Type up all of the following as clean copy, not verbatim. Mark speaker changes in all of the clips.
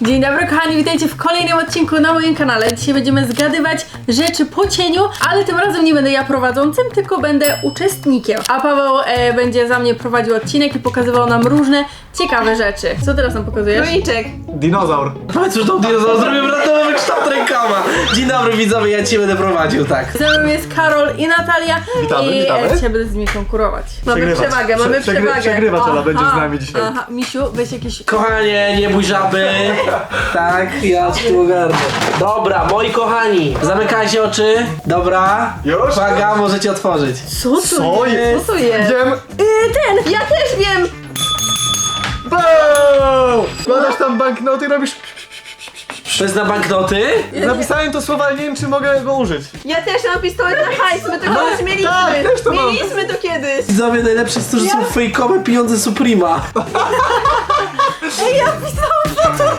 Speaker 1: Dzień dobry kochani, witajcie w kolejnym odcinku na moim kanale. Dzisiaj będziemy zgadywać rzeczy po cieniu, ale tym razem nie będę ja prowadzącym, tylko będę uczestnikiem. A Paweł będzie za mnie prowadził odcinek i pokazywał nam różne ciekawe rzeczy. Co teraz nam pokazujesz?
Speaker 2: Króliczek.
Speaker 3: Dinozaur.
Speaker 4: Powiedz już tą dinozaur, zrobię randomowy kształt rękoma. Dzień dobry widzowie, ja cię będę prowadził, tak.
Speaker 1: Ze mną jest Karol i Natalia.
Speaker 3: Witamy,
Speaker 1: i
Speaker 3: witamy.
Speaker 1: dzisiaj będę z nimi konkurować.
Speaker 2: Mamy przewagę, mamy przewagę.
Speaker 3: Przegrywacz, ale będzie z nami dzisiaj.
Speaker 1: Aha, Misiu, weź jakieś...
Speaker 4: Kochanie, nie bój żaby. Tak, ja tu ogarnę. Dobra, moi kochani, zamykajcie oczy. Dobra.
Speaker 3: Już?
Speaker 4: Uwaga, możecie otworzyć.
Speaker 1: Co to
Speaker 3: Co jest?
Speaker 2: Co to jest?
Speaker 3: Wiem.
Speaker 2: Ten! Ja też wiem!
Speaker 3: Boom! Wkładasz tam banknoty i robisz...
Speaker 4: To jest na banknoty?
Speaker 3: Napisałem to słowa, ale nie wiem, czy mogę go użyć.
Speaker 2: Ja też mam pistolet na hajs, my to kiedyś mieliśmy.
Speaker 3: tak, też to mam.
Speaker 2: Mieliśmy to kiedyś.
Speaker 4: Widzowie, najlepsze jest to, że są fejkowe pieniądze Suprema.
Speaker 1: Ej, ja pisałam foto!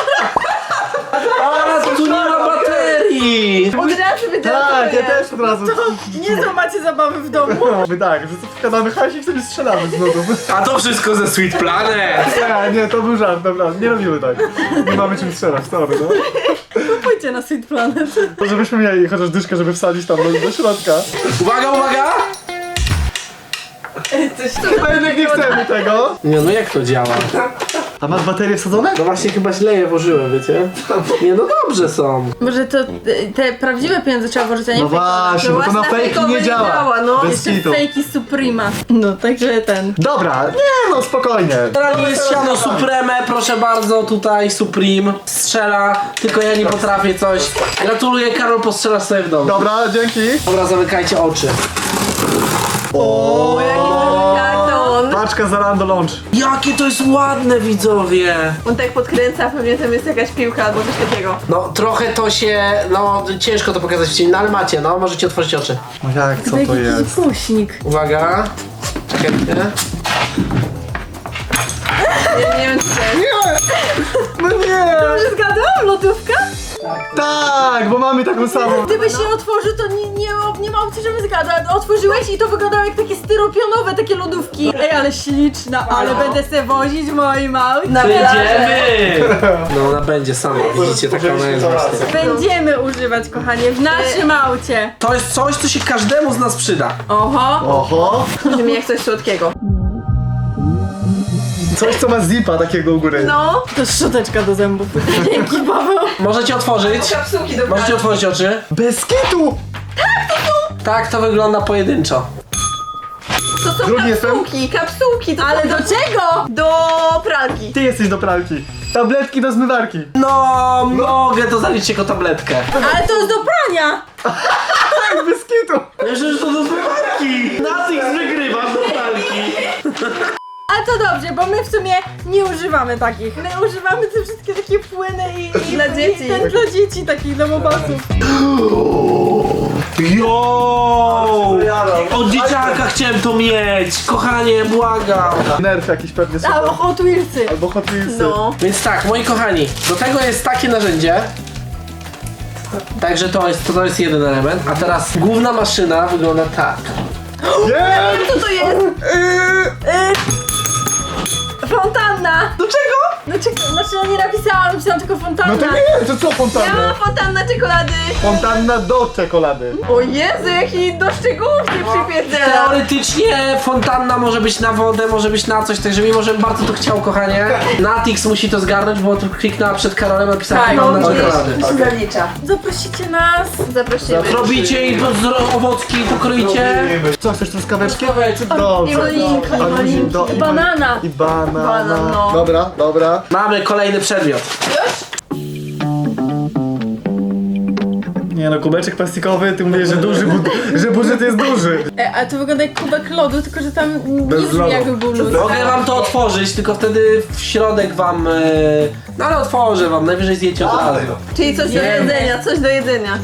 Speaker 4: A, tu nie ma baterii.
Speaker 2: Od razu wiedziałam, co
Speaker 3: Tak,
Speaker 2: to
Speaker 3: ja
Speaker 2: jest.
Speaker 3: też od razu.
Speaker 1: Nie macie zabawy w domu.
Speaker 3: My tak, że co wkładamy hajsik, sobie strzelamy z nudów.
Speaker 4: A to wszystko ze Sweet Planet.
Speaker 3: Nie, to był żart, dobra, nie robimy tak. Nie mamy czym strzelać, sorry, no.
Speaker 1: Pójdźcie na Sweet Planet.
Speaker 3: To żebyśmy mieli chociaż dyszkę, żeby wsadzić tam do środka.
Speaker 4: Uwaga, uwaga.
Speaker 3: Chyba jednak nie chcemy tego.
Speaker 4: Nie, no jak to działa?
Speaker 3: A masz baterie wsadzone?
Speaker 4: No właśnie chyba źle je włożyłem, wiecie? Nie, no dobrze są.
Speaker 1: Może to te prawdziwe pieniądze trzeba włożyć, a nie
Speaker 3: No właśnie, bo to na
Speaker 2: Własna
Speaker 3: fejki
Speaker 2: fejkowa
Speaker 3: nie
Speaker 2: nie
Speaker 3: działa.
Speaker 2: działa, no.
Speaker 3: Bez
Speaker 1: Jeszcze
Speaker 3: kitu.
Speaker 1: fejki Suprema. No, także ten.
Speaker 3: Dobra, nie no, spokojnie.
Speaker 4: Teraz jest siano Supreme, proszę bardzo, tutaj Supreme strzela, tylko ja nie potrafię coś. Gratuluję, Karol, postrzelasz sobie w domu.
Speaker 3: Dobra, dzięki.
Speaker 4: Dobra, zamykajcie oczy.
Speaker 2: O, jaki duży karton.
Speaker 3: Paczka za Lando Launch.
Speaker 4: Jakie to jest ładne, widzowie.
Speaker 2: On tak podkręca, pewnie tam jest jakaś piłka albo coś takiego.
Speaker 4: No, trochę to się, no, ciężko to pokazać w cieniu, no ale macie, no, możecie otworzyć oczy.
Speaker 3: No jak, co to
Speaker 1: Jakiś
Speaker 3: jest?
Speaker 1: głośnik.
Speaker 4: Uwaga. Czekajcie.
Speaker 2: Nie wiem, co to jest.
Speaker 3: No nie!
Speaker 1: Dobrze zgadłam? Lodówka?
Speaker 3: Tak, bo mamy taką samą.
Speaker 1: Gdybyś się otworzył, to nie ma opcji, żeby zgadła. Otworzyłeś i to wyglądało jak takie styropionowe takie lodówki. Ej, ale śliczna, ale będę se wozić moi mały.
Speaker 4: Wyjdziemy! No, ona będzie sama, widzicie, taka ona jest właśnie.
Speaker 1: Będziemy używać, kochanie, w naszym aucie.
Speaker 4: To jest coś, co się każdemu z nas przyda.
Speaker 1: Oho.
Speaker 3: Oho.
Speaker 2: Brzmi jak coś słodkiego.
Speaker 3: Coś, co ma zipa takiego u góry.
Speaker 2: No.
Speaker 1: To szczoteczka do zębów. Dzięki, Paweł.
Speaker 4: Możecie otworzyć.
Speaker 2: Kapsułki do
Speaker 4: Możecie otworzyć oczy.
Speaker 3: Bez kitu!
Speaker 4: Tak, to wygląda pojedynczo.
Speaker 2: To są
Speaker 3: Drugi jestem.
Speaker 2: kapsułki. To
Speaker 1: Ale
Speaker 2: są
Speaker 1: do czego?
Speaker 2: do pralki.
Speaker 3: Ty jesteś do pralki. Tabletki do zmywarki.
Speaker 4: No, mogę to zaliczyć jako tabletkę.
Speaker 1: Ale to jest do prania.
Speaker 3: Tak, bez kitu.
Speaker 4: Myślę, że to do zmywarki. Natix wygrywa do pralki.
Speaker 1: Ale to dobrze, bo my w sumie nie używamy takich. My używamy te wszystkie takie płyny i
Speaker 2: Dla dzieci.
Speaker 1: I ten dla dzieci takich domobasów.
Speaker 4: Jo! Od dzieciaka chciałem to mieć. Kochanie, błagam.
Speaker 3: Nerf jakiś pewnie super.
Speaker 1: Albo Hot Wheelsy.
Speaker 3: Albo Hot Wheelsy.
Speaker 2: No.
Speaker 4: Więc tak, moi kochani, do tego jest takie narzędzie. Także to jest jeden element. A teraz główna maszyna wygląda tak.
Speaker 3: Nie!
Speaker 2: Co to jest?
Speaker 1: Fontanna.
Speaker 4: Do czego?
Speaker 1: Znaczy ja nie napisałam tylko fontanna.
Speaker 3: No to nie, to co
Speaker 2: Ja
Speaker 3: fontanna?
Speaker 2: mam fontanna czekolady.
Speaker 3: Fontanna do czekolady.
Speaker 2: O Jezu, jaki do szczegółów się przypierdziela.
Speaker 4: Teoretycznie fontanna może być na wodę, może być na coś, także mimo, że bardzo to chciał, kochanie, Natix musi to zgarnąć, bo tu kliknęła przed Karolem, napisała fontanna czekolady.
Speaker 2: się zalicza.
Speaker 1: Zaprosicie nas.
Speaker 2: Zaprosimy.
Speaker 4: Robicie i owocki pokroicie.
Speaker 3: Co, chcesz truskaweczki?
Speaker 4: Truskaweczki.
Speaker 3: Dobrze.
Speaker 2: I malinka,
Speaker 3: A
Speaker 2: malinki.
Speaker 3: do- i
Speaker 1: Banana.
Speaker 3: I banana.
Speaker 2: Banan, no.
Speaker 3: Dobra, dobra.
Speaker 4: Mamy kolejny przedmiot.
Speaker 3: Nie no, kubeczek plastikowy, ty mówisz, że duży, że budżet jest duży.
Speaker 1: A to wygląda jak kubek lodu, tylko że tam nie
Speaker 3: Bez
Speaker 1: brzmi
Speaker 3: lodu.
Speaker 1: jakby był lód.
Speaker 4: Mogę wam to otworzyć, tylko wtedy w środek wam... No ale otworzę wam, najwyżej zjecie od razu.
Speaker 2: Czyli coś do jedzenia, coś do jedzenia.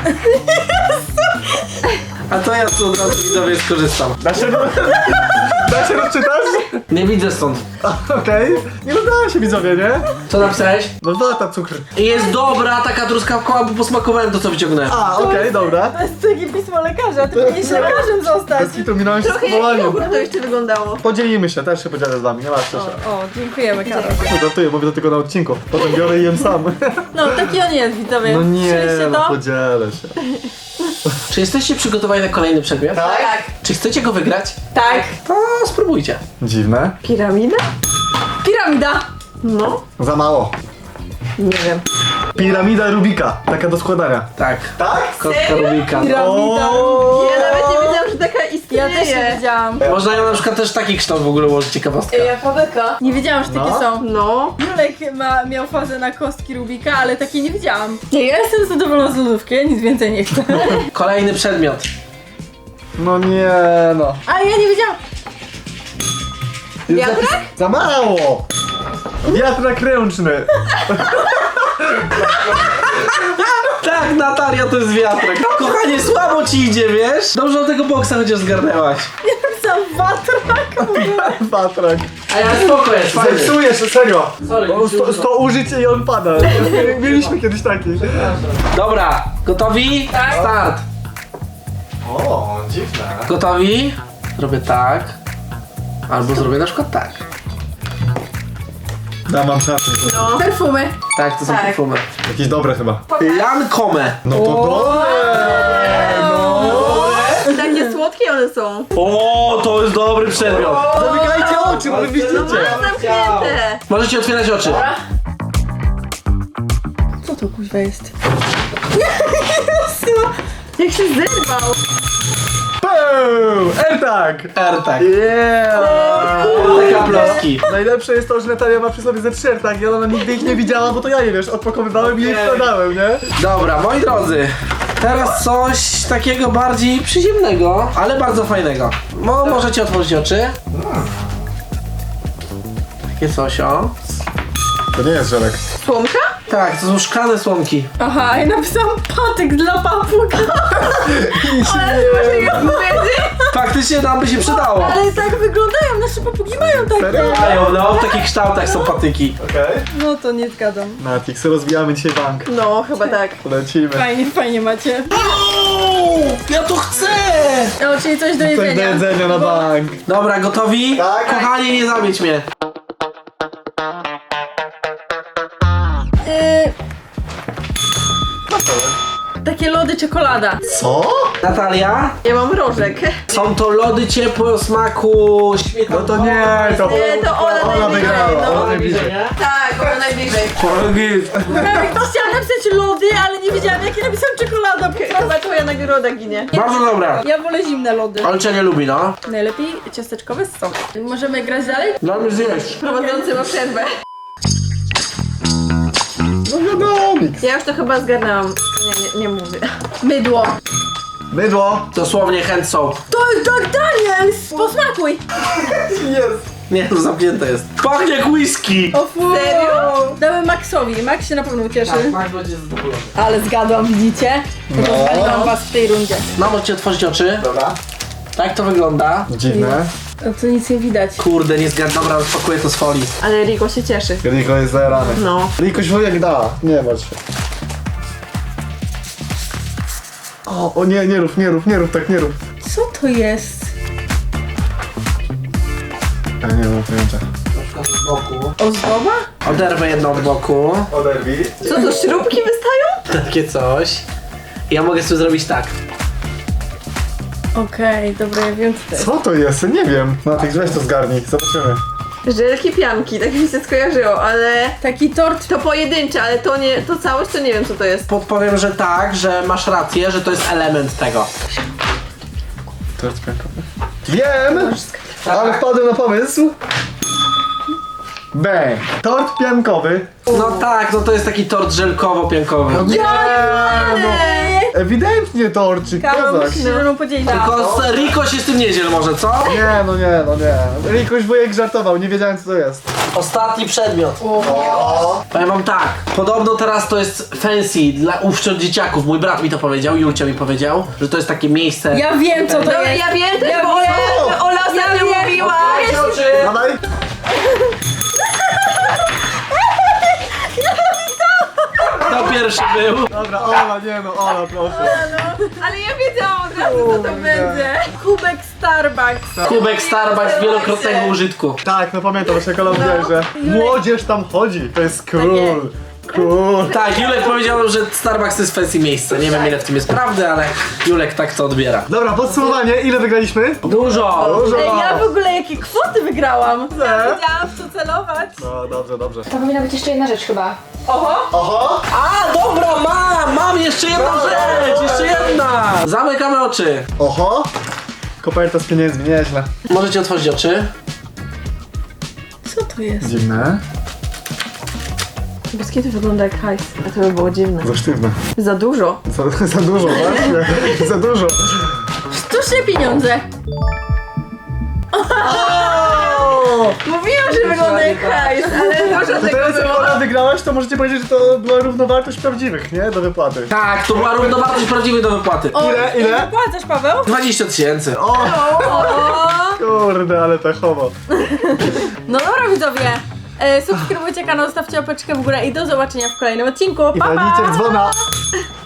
Speaker 4: A to ja tu od razu widzowie skorzystam.
Speaker 3: Naszego... Da się rozczytać?
Speaker 4: Nie widzę stąd.
Speaker 3: Okej. Nie rozdało się widzowie, nie?
Speaker 4: Co napisałeś?
Speaker 3: No wata cukr.
Speaker 4: Jest dobra taka truskawkowa, bo posmakowałem to, co wyciągnąłem.
Speaker 3: A, okej, dobra.
Speaker 1: To jest takie pismo lekarza, ty powinieneś lekarzem zostać.
Speaker 3: Bez kitu minąłem się z
Speaker 2: Trochę jak
Speaker 3: powołaniem.
Speaker 2: jogurt to jeszcze wyglądało.
Speaker 3: Podzielimy się, też się podzielę z wami, nie martwcie się.
Speaker 1: O, dziękujemy, Karol.
Speaker 3: No żartuję, mówię to tylko na odcinku. Potem biorę i jem sam.
Speaker 1: No, taki on jest, widzowie.
Speaker 3: No nie,
Speaker 1: Słyszeliście
Speaker 3: no
Speaker 1: to?
Speaker 3: podzielę się.
Speaker 4: Czy jesteście przygotowani na kolejny przedmiot?
Speaker 2: Tak.
Speaker 4: Czy chcecie go wygrać?
Speaker 1: Tak.
Speaker 4: To spróbujcie.
Speaker 3: Dziwne.
Speaker 2: Piramida?
Speaker 1: Piramida.
Speaker 2: No.
Speaker 3: Za mało.
Speaker 2: Nie wiem.
Speaker 3: Piramida Rubika, taka do składania.
Speaker 4: Tak.
Speaker 3: Tak?
Speaker 4: Kostka Rubika.
Speaker 1: Piramida.
Speaker 3: O!
Speaker 2: Ja nawet nie wiedziałam, że taka istnieje.
Speaker 1: Ja też nie wiedziałam.
Speaker 4: Można ją na przykład też taki kształt w ogóle ułożyć, ciekawostka.
Speaker 2: Jaka beka.
Speaker 1: Nie wiedziałam, że takie
Speaker 3: No.
Speaker 1: są.
Speaker 2: No.
Speaker 1: Julek miał fazę na kostki Rubika, ale takiej nie widziałam. Nie, ja jestem zadowolona z lodówki, ja nic więcej nie chcę.
Speaker 4: Kolejny przedmiot.
Speaker 3: No nie no.
Speaker 1: A ja nie wiedziałam.
Speaker 2: Wiatrak?
Speaker 3: Za mało! Wiatrak ręczny.
Speaker 4: Tak, Natalia, to jest wiatrak. Kochanie, słabo ci idzie, wiesz? Dobrze do tego boksa chociaż zgarnęłaś.
Speaker 1: Ja napisałam watrak w ogóle.
Speaker 3: Wiatrak.
Speaker 4: A ja spoko jest, fajny.
Speaker 3: Zepsujesz, serio.
Speaker 4: Sorry,
Speaker 3: O, 100 użyć i on pada. Mieliśmy kiedyś taki.
Speaker 4: Dobra, gotowi?
Speaker 1: Tak.
Speaker 4: Start.
Speaker 3: O, dziwne.
Speaker 4: Gotowi? Zrobię tak. Albo zrobię na przykład tak.
Speaker 3: Da, mam szansę.
Speaker 2: No.
Speaker 1: Perfumy.
Speaker 4: Tak, to są
Speaker 2: Tak.
Speaker 4: perfumy.
Speaker 3: Jakieś dobre chyba.
Speaker 4: Lancome.
Speaker 3: No to dobre. No.
Speaker 2: Takie słodkie one są.
Speaker 4: O, to jest dobry przedmiot.
Speaker 3: Zamykajcie oczy, bo wy
Speaker 2: No
Speaker 3: widzicie.
Speaker 2: mam zamknięte.
Speaker 4: Możecie otwierać oczy.
Speaker 1: Co to kuźwa jest? Jezu, jak się zerwał.
Speaker 3: Boom! AirTag!
Speaker 4: AirTag.
Speaker 3: Yeah!
Speaker 4: Te kaploski.
Speaker 3: Najlepsze jest to, że Natalia ma przy sobie ze 3 AirTagi, ona nigdy ich nie widziała, bo to ja je wiesz, odpakowywałem i je wkładałem, nie?
Speaker 4: Dobra, moi drodzy. Teraz coś takiego bardziej przyziemnego, ale bardzo fajnego. Możecie otworzyć oczy. Takie coś, o.
Speaker 3: To nie jest żelek.
Speaker 2: Słomka?
Speaker 4: Tak, to są szklane słomki.
Speaker 1: Aha, i napisałam patyk dla papuga.
Speaker 4: Faktycznie nam by się przydało.
Speaker 1: Ale tak wyglądają, nasze papugi mają takie.
Speaker 3: Serio?
Speaker 4: No, w takich kształtach są patyki.
Speaker 3: Okej.
Speaker 1: No to nie zgadzam.
Speaker 3: Natix, rozwijamy dzisiaj bank.
Speaker 2: No, chyba tak.
Speaker 3: Lecimy.
Speaker 1: Fajnie macie.
Speaker 4: Ja to chcę!
Speaker 1: O, czyli coś do
Speaker 3: Coś do
Speaker 1: jedzenia.
Speaker 3: jedzenia na bank.
Speaker 4: Dobra, gotowi?
Speaker 3: Tak.
Speaker 4: Kochanie, nie zamieć mnie.
Speaker 1: Takie lody czekolada.
Speaker 3: Co?
Speaker 4: Natalia?
Speaker 2: Ja mam rożek.
Speaker 4: Są to lody ciepłe o smaku śmietany.
Speaker 3: No to nie, to
Speaker 2: Nie, to
Speaker 3: wygrała,
Speaker 2: Ola najbliżej, no.
Speaker 3: ona najbliżej.
Speaker 2: Tak, Ola najbliżej.
Speaker 1: Chciałam napisać lody, ale nie wiedziałam jakie napisałam czekolada.
Speaker 2: Chyba twoja nagroda ginie.
Speaker 4: Bardzo dobra.
Speaker 1: Ja wolę zimne lody.
Speaker 4: Olcia nie lubi, no.
Speaker 1: Najlepiej ciasteczkowe z sokiem. Możemy grać dalej?
Speaker 4: Dla mnie zjeść.
Speaker 2: Prowadzący ma przerwę.
Speaker 3: No wiadomix.
Speaker 2: Ja już to chyba zgarnęłam. Nie mówię.
Speaker 1: Mydło.
Speaker 3: Mydło.
Speaker 4: Dosłownie hand soap.
Speaker 1: To jest tak Daniel! Posmakuj!
Speaker 3: Jest.
Speaker 4: Nie, to zamknięte jest. Pachnie jak whisky.
Speaker 1: O fu!
Speaker 2: Serio?
Speaker 1: Damy Maxowi. Max się na pewno ucieszy.
Speaker 4: Max będzie zadowolony.
Speaker 1: Ale zgadłam, widzicie?
Speaker 3: No.
Speaker 1: Rozwaliłam was w tej rundzie.
Speaker 4: No, możecie otworzyć oczy.
Speaker 3: Dobra.
Speaker 4: Tak to wygląda.
Speaker 3: Dziwne.
Speaker 1: No to nic nie widać.
Speaker 4: Kurde, nie zgadł. Dobra, rozpakuję to z folii.
Speaker 2: Ale Riko się cieszy.
Speaker 3: Riko jest zajarany.
Speaker 2: No.
Speaker 3: Riko się jak da. Nie martw się. O nie, nie rób, tak nie rób.
Speaker 1: Co to jest?
Speaker 3: Ja nie mam pojęcia.
Speaker 4: Na przykład z boku.
Speaker 1: Ozdoba?
Speaker 4: Oderwę jedno od boku.
Speaker 3: Oderwij.
Speaker 2: Co to, śrubki wystają?
Speaker 4: Takie coś. I ja mogę sobie zrobić tak.
Speaker 1: Okej, dobra, ja wiem co to jest.
Speaker 3: Co to jest? Nie wiem. Natix, weź to zgarnij, zobaczymy.
Speaker 2: Żelki pianki, tak mi się skojarzyło, ale...
Speaker 1: Taki tort.
Speaker 2: To pojedyncze, ale to nie, to całość to nie wiem co to jest.
Speaker 4: Podpowiem, że tak, że masz rację, że to jest element tego.
Speaker 3: Tort piankowy. Wiem! Ale wpadłem na pomysł. Bang! Tort piankowy.
Speaker 4: No tak, no to jest taki tort żelkowo-piankowy.
Speaker 3: Nie, no. Ewidentnie torcik,
Speaker 1: Karol,
Speaker 3: kozak.
Speaker 1: musisz się ze mną podzielić.
Speaker 4: Tylko Riko się z tym nie dziel może, co?
Speaker 3: Nie, no nie, no nie. Rikuś wujek żartował, nie wiedziałem co to jest.
Speaker 4: Ostatni przedmiot. Powiem wam tak, podobno teraz to jest fancy dla wśród dzieciaków. Mój brat mi to powiedział, Julcia mi powiedział, że to jest takie miejsce.
Speaker 1: Ja wiem co to
Speaker 2: Dobra,
Speaker 1: jest.
Speaker 2: ja wiem też,
Speaker 1: Ja
Speaker 2: bo
Speaker 1: wiem.
Speaker 2: Ola ostatnio
Speaker 1: Ja wiem.
Speaker 2: mówiła, Trafiłaś!
Speaker 4: Otwórzcie oczy.
Speaker 3: Dawaj.
Speaker 4: Kto pierwszy był?
Speaker 3: Dobra, Ola, nie no, Ola, proszę.
Speaker 2: Ale ja wiedziałam od razu, co to
Speaker 3: Kurde.
Speaker 2: będzie.
Speaker 1: Kubek Starbucks.
Speaker 4: Kubek Starbucks wielokrotnego użytku.
Speaker 3: Tak, no pamiętam, że Kola mówiła, że młodzież tam chodzi, to jest cool. Cool.
Speaker 4: Tak, Julek powiedział, że Starbucks to jest fancy miejsce. Nie wiem ile w tym jest prawdy, ale Julek tak to odbiera.
Speaker 3: Dobra, podsumowanie, ile wygraliśmy?
Speaker 4: Dużo!
Speaker 3: Dużo.
Speaker 1: Ej, ja w ogóle jakie kwoty wygrałam.
Speaker 3: Nie?
Speaker 2: Wiedziałam, w co celować.
Speaker 3: No, dobrze, dobrze.
Speaker 5: To powinna być jeszcze jedna rzecz chyba.
Speaker 3: Oho!
Speaker 4: A, dobra, mam jeszcze jedną rzecz, jeszcze jedna! Zamykamy oczy.
Speaker 3: Oho! Koperta z pieniędzmi, nieźle.
Speaker 4: Możecie otworzyć oczy.
Speaker 1: Co to jest?
Speaker 3: Dziwne.
Speaker 2: Bez kiedy wygląda jak hajs. A to by było dziwne.
Speaker 3: Za sztywne.
Speaker 2: Za dużo.
Speaker 3: Za dużo, właśnie. Za dużo.
Speaker 1: Sztuczne pieniądze.
Speaker 2: Mówiłam, że wygląda jak hajs, ale dużo
Speaker 3: To
Speaker 2: tego
Speaker 3: teraz jak
Speaker 2: było.
Speaker 3: Ola wygrałaś, to możecie powiedzieć, że to była równowartość prawdziwych, nie? Do wypłaty.
Speaker 4: Tak, to była równowartość prawdziwej do wypłaty.
Speaker 1: O,
Speaker 3: Ile?
Speaker 1: Płacasz, Paweł?
Speaker 4: 20 000.
Speaker 3: O!
Speaker 1: O!
Speaker 3: Kurde, ale pechowo.
Speaker 1: No dobra, widzowie. Subskrybujcie kanał, stawcie łapeczkę w górę i do zobaczenia w kolejnym odcinku.
Speaker 3: I
Speaker 1: Pa, pa!
Speaker 3: walnijcie w dzwona.